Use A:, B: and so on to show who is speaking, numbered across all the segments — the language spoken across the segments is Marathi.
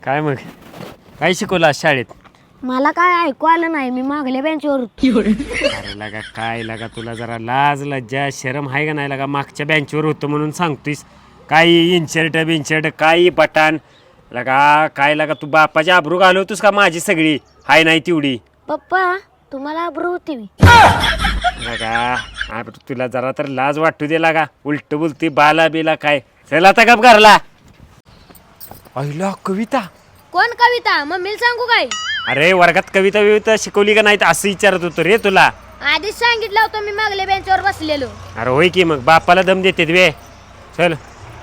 A: काय मग काय शिकवलं आज शाळेत?
B: मला काय ऐकू आलं नाही, मी मागल्या बेंचवर होतो.
A: अरे लगा काय लगा तुला जरा लाज लज्जा शरम आहे का नाही लगा? मागच्या बेंचवर होतो म्हणून सांगतोयस काही इनशर्ट बिनशर्ट काही बटान लगा काय लगा? तू बापाची आबरू घालवतोस का माझी सगळी हाय नाही तेवढी?
B: पप्पा तुम्हाला आबरू होती मी.
A: लगा तुला जरा तर लाज वाटू दे लागा. उलट बोलती बाला बिला काय? चला आता गप घरला. अहिला कविता.
B: कोण कविता? मम्मीला सांगू काय?
A: अरे वर्गात कविता विविता शिकवली का नाही असं विचारत होतो रे तुला.
B: आधीच सांगितलं होतं मी मागल्या बेंचवर बसलेलो.
A: अरे होय की मग बापाला दम देते वे. चल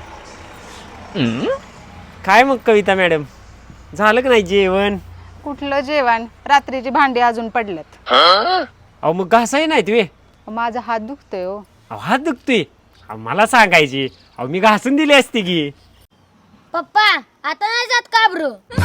A: काय मग कविता मॅडम झालं का नाही जेवण?
C: कुठलं जेवण? रात्रीची भांडी अजून पडलेत.
A: अहो मग घासाही नाहीत वे.
C: माझा हात दुखतोय हो.
A: अहो हात दुखतोय. अहो मला सांगायची. अहो मी घासून दिली असती की.
B: पप्पा आता नाही जात का आबरू?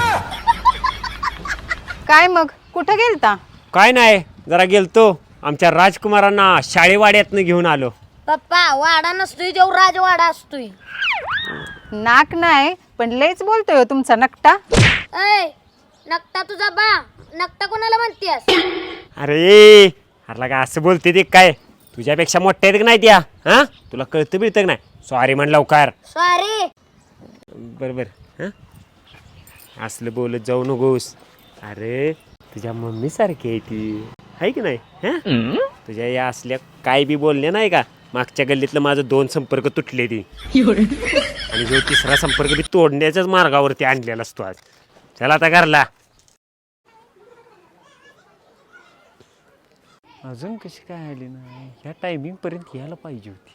C: काय मग कुठं गेलता?
A: काय नाही जरा गेलतो आमच्या राजकुमारांना शाळेवाड्यातनं घेऊन आलो.
B: पप्पा वाडा नसतोय देव राजवाडा असतोय.
C: नाक नाही पण लयच बोलतोय हो तुमचा नकटा.
B: ऐ नकटा तुझा बा. नकटा कोणाला म्हणतेस?
A: अरे अरे लगा असं बोलते ते काय? तुझ्यापेक्षा मोठ्या आहेत का नाही त्या? हा तुला कळतं बिळतं का नाही? सॉरी म्हण लवकर.
B: सॉरी.
A: बरोबर हां असलं बोलत जाऊ नकोस. अरे तुझ्या मम्मी सारखी आहे ती आहे की नाही? हां तुझ्या या असल्या काय बी बोलल्या नाही का? मागच्या गल्लीतलं माझं 2 संपर्क तुटले ती आणि जो तिसरा संपर्क बी तोडण्याच्याच मार्गावरती आणलेला असतो आज. चला आता घरला. अजून कशी काय आली नाही? ह्या टायमिंग पर्यंत यायला पाहिजे होती.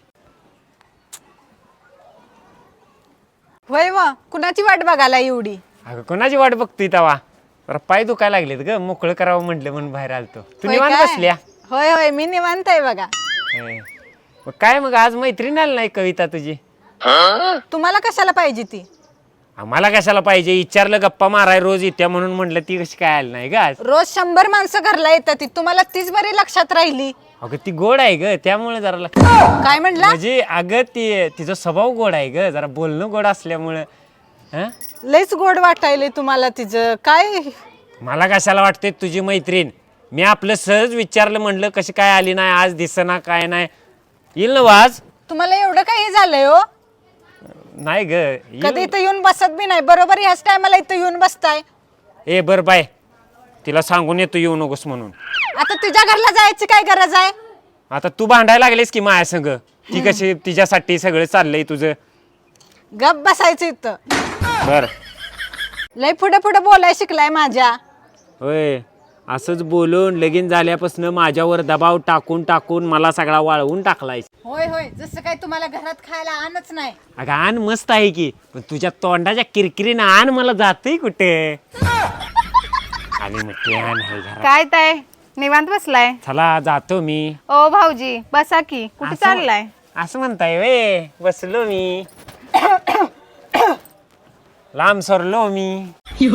C: होय व कुणाची वाट बघायला एवढी?
A: अगं कोणाची वाट बघतोय तवा? जरा पाय दुखायला लागलेत ग मोकळं करावं म्हटलं म्हणून बाहेर आलतो. तू
C: होय
A: निवांत
C: काय?
A: बसल्या?
C: होय होय मी निवांत आहे बघा.
A: मग काय मग आज मैत्रीण आली नाही कविता तुझी?
C: तुम्हाला कशाला पाहिजे ती?
A: आम्हाला कशाला पाहिजे? विचारलं गप्पा माराय रोज येत्या म्हणून म्हटलं ती कशी काय आली नाही ग आज?
C: रोज 100 माणसं घरला येतात ती तुम्हाला तीच बरी लक्षात राहिली.
A: अगं ती गोड आहे ग त्यामुळे जरा
C: काय म्हणला?
A: म्हणजे अगं ती तिचा स्वभाव गोड आहे ग जरा बोलणं गोड असल्यामुळं. हं
C: लयच गोड वाटायले तुम्हाला तिचं काय?
A: मला कशाला वाटते तुझी मैत्रीण? मी आपलं सहज विचारलं म्हणलं कशी काय आली नाही आज दिसना काय नाही. येईल ना वाज?
C: तुम्हाला एवढं काही झालंय हो?
A: नाही ग
C: कधी इथं येऊन बसत बी नाही. बरोबर ह्याच टायमाला इथं येऊन बसताय.
A: ए बर बाय तिला सांगून येतो येऊ नकोस म्हणून.
C: आता तुझ्या घरला जायची काय गरज आहे?
A: आता तू भांडायला लागलीस की माया संग. ती कशी तिच्यासाठी सगळं चाललंय तुझं.
C: गप बसायचं इथं.
A: बर
C: लय पुढे पुढे बोलाय शिकलाय माझ्या.
A: होय असंच बोलून लगीन झाल्यापासून माझ्यावर दबाव टाकून टाकून मला सगळा वाळवून टाकलाय.
C: होय होय जसं काय तुम्हाला घरात खायला आणच नाही.
A: अगं आण मस्त आहे की पण तुझ्या तोंडाच्या किरकिरीनं आण मला जातंय कुठे? आणि मग ते आण आहे घरात.
C: काय ताय निवांत बसलाय?
A: चला जातो मी.
C: ओ भाऊजी बसा की. कुठे
A: असं-
C: चाललाय?
A: असं म्हणताय वे बसलो मी. लांब सरलो मी.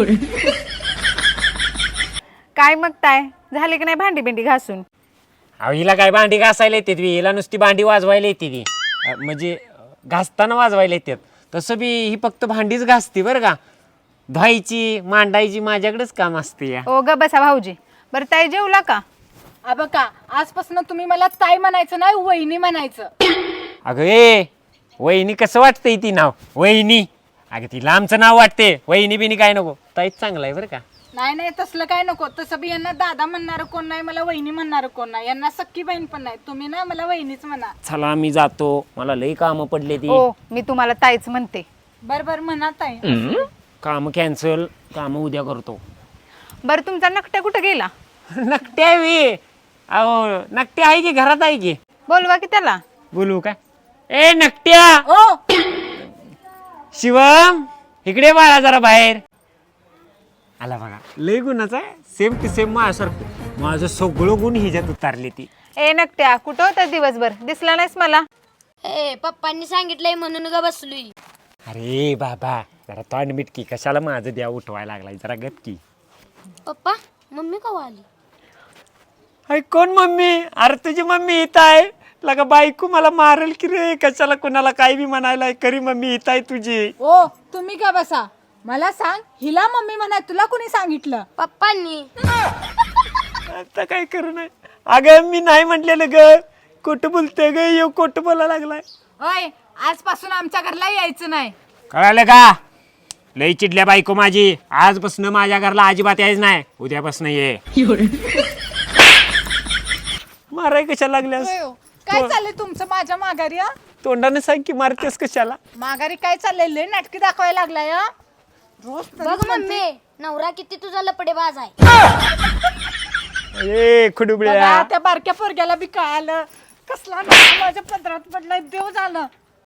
C: काय मग ताय झाले की नाही भांडी बिंडी घासून?
A: अहो हिला काय भांडी घासायला येते ती? हिला नुसती भांडी वाजवायला येते ती. म्हणजे घासताना वाजवायला येतात. तसं बी ही फक्त भांडीच घासते बरं का. धुवायची मांडायची माझ्याकडेच काम असते या.
C: ओ ग बसा भाऊजी. बरं ताई जेवला का?
D: बघा आजपासून तुम्ही मला ताई म्हणायचं नाही वहिनी म्हणायचं.
A: अगं ए वहिनी कसं वाटतंय ती नाव वहिनी? अगं ती लांबचं नाव वाटते. वहिनी बिनी काय नको. ताईच चांगलं आहे बरं का.
D: नाही नाही तसलं काय नको. तसं बी यांना दादा म्हणणार कोण नाही, मला वहिनी म्हणणार कोण नाही. यांना सख्खी बहीण पण नाही. तुम्ही ना मला वहिनीच म्हणा.
A: चला मी जातो मला लई कामं पडले ती.
C: ओ मी तुम्हाला ताईच म्हणते.
D: बर बर म्हणा ताई.
A: काम कॅन्सल काम उद्या करतो.
C: बरं तुमचा नकट्या कुठं गेला?
A: नकट्या वे अहो नकट्या आहे की घरात आहे की?
C: बोलवा की त्याला.
A: बोलू का? ए नकट्या
D: ओ
A: शिवम इकडे बाळा जरा बाहेर आला बघा. लय गुणाचा आहे सेम टू सेम माझ्यासारखं. माझं सगळं गुण हिच्यात उतारले ती.
C: ए नकट्या कुठं होता दिवसभर? दिसला नाहीस मला.
B: ए पप्पांनी सांगितलंय म्हणून ग बसलोय.
A: अरे बाबा जरा तोंड मिटकी कशाला माझं द्या उठवायला लागलाय जरा गप की.
B: पप्पा मम्मी कवा आली?
A: अरे कोण मम्मी? अरे तुझी मम्मी इथं आहे. लगा बायको मला मारेल की रे कशाला कोणाला काय बी म्हणायला. खरी मम्मी इथं आहे तुझी.
D: ओ तुम्ही का बसा. मला सांग, हिला मम्मी म्हणाय तुला कोणी सांगितलं?
B: पप्पांनी.
A: आता काय करू नाही. अगं मी नाही म्हटलेलं ग. खोटं बोलतोय ग, येऊ खोटं बोलायला लागलाय.
D: होय, आजपासून आमच्या घरला यायचं नाही.
A: कळालं का? लई चिडल्या बायको माझी. आजपासून माझ्या घरला अजिबात यायच नाही. उद्यापासून ये. माराय कशाला लागल्यास?
D: होय हो. काय चाललंय तुमचं माझ्या माघारी? हं?
A: तोंडाने सांग की मारतेस कशाला?
D: माघारी काय चाललंय? लय नाटकी दाखवायला लागलाय. हं? रोज
B: बघ मम्मी, नवरा किती तुझा लपडेबाज आहे.
A: ए खुडुबड्या.
D: बघा, त्या बारक्या पोरग्याला बी कळालं. कसला नवरा माझ्या पदरात पडलाय, देव झालं.